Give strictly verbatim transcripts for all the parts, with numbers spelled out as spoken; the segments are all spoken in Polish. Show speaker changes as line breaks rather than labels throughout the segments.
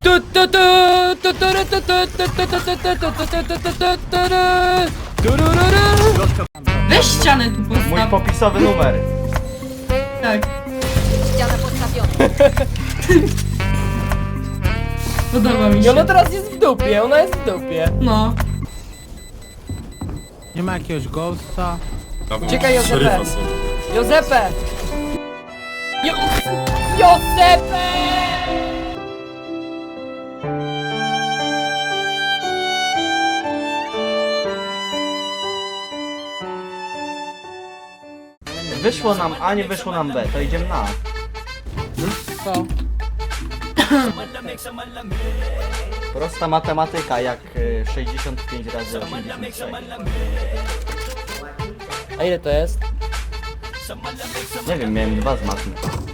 Weź ścianę tu postaw.
Mój popisowy numer.
Tak.
Ściana postawiona.
Podoba mi
I
się.
ona teraz jest w dupie, ona jest w dupie.
No.
Nie ma jakiegoś ghosta?
Uciekaj, Józefę. Józefę! Jo Józefę!
Wyszło nam A, nie wyszło nam B, to idziemy na A.
Co?
Prosta matematyka, jak y, sześćdziesiąt pięć razy osiemdziesiąt sześć.
A ile to jest?
Nie wiem, miałem dwa z matmy.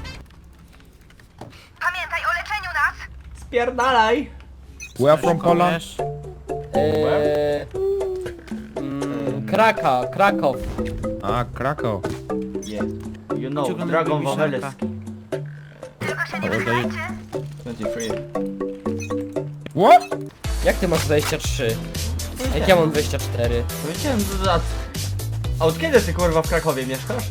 Pamiętaj o leczeniu nas!
Spierdalaj!
We are from Poland.
Wiesz?
Eee, mm, Kraka, Krakow.
A, Krakow.
Yeah. You know,
Czego
Dragon
lubi
Wawelski.
Tylko się nie
How old are you?
przyznajcie!
dwadzieścia trzy.
What?
Jak ty masz dwadzieścia trzy? A jak ja mam dwadzieścia cztery?
Powiedziałem do lat. A od kiedy ty kurwa w Krakowie mieszkasz?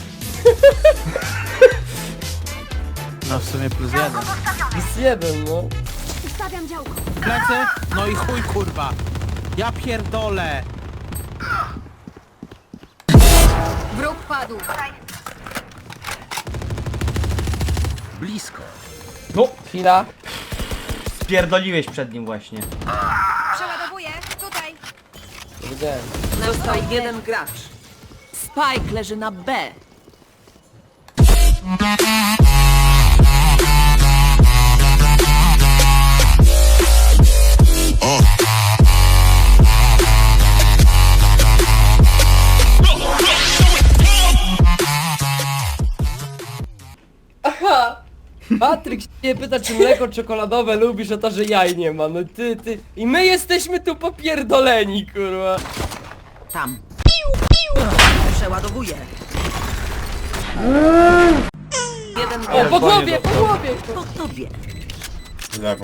No w sumie plus jeden.
Jest jeden, no.
Ustawiam działko.
Plecy? No i chuj kurwa. Ja pierdolę.
Wróg padł.
Blisko.
No!
Chwila.
Spierdoliłeś przed nim właśnie.
Przeładowuję. Tutaj.
Widziałem.
Został jeden gracz. Spike leży na B.
Aha! Patryk się nie pyta, czy mleko czekoladowe lubisz, a to, że jaj nie ma. No ty, ty. I my jesteśmy tu popierdoleni, kurwa.
Tam. Przeładowuję. Jeden
O,
gracz.
po głowie, po głowie!
Po tobie.
Lewo.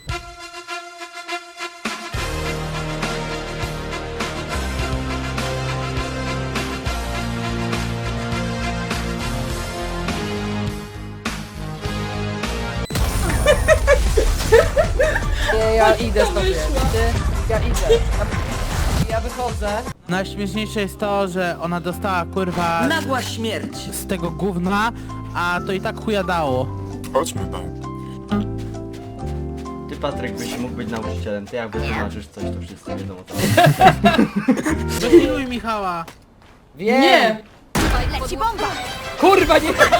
Nie, ja idę sobie. Ty, ja idę. Ja, ja wychodzę.
Najśmieszniejsze jest to, że ona dostała kurwa
Nagła śmierć.
z tego gówna, a to i tak chuja dało.
Chodźmy tam.
Ty Patryk byś mógł być nauczycielem, ty jak wytłumaczysz coś, to wszyscy wiedzą o co.
Wypiluj Michała.
Wiem.
Nie.
Tutaj leci bomba.
Kurwa, nie.
Został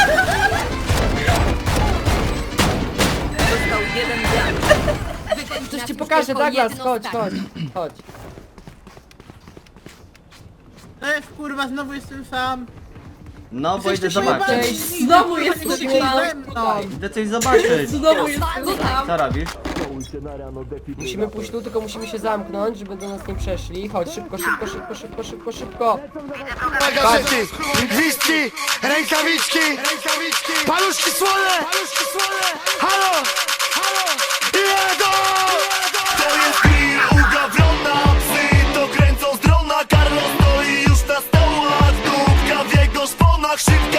jeden gracz.
Coś ci pokażę, Douglas, chodź, chodź, chodź.
Ej, kurwa, znowu jestem sam.
No bo idę
Jesteście
zobaczyć.
jebani.
Znowu jesteś
Nie
tam.
ze mną.
Idę coś zobaczyć.
Znowu jesteś tam.
Co robisz?
Musimy pójść tu, tylko musimy się zamknąć, żeby do nas nie przeszli. Chodź, szybko, szybko, szybko, szybko, szybko, szybko.
Magazyny, gwizdki, rękawiczki, rękawiczki, paluszki słone, paluszki słone, halo, halo, jedą! To jest Bill, ugawrona, psy to kręcą z drona, Carlos stoi już na stołach, dupka w jego szponach, szybko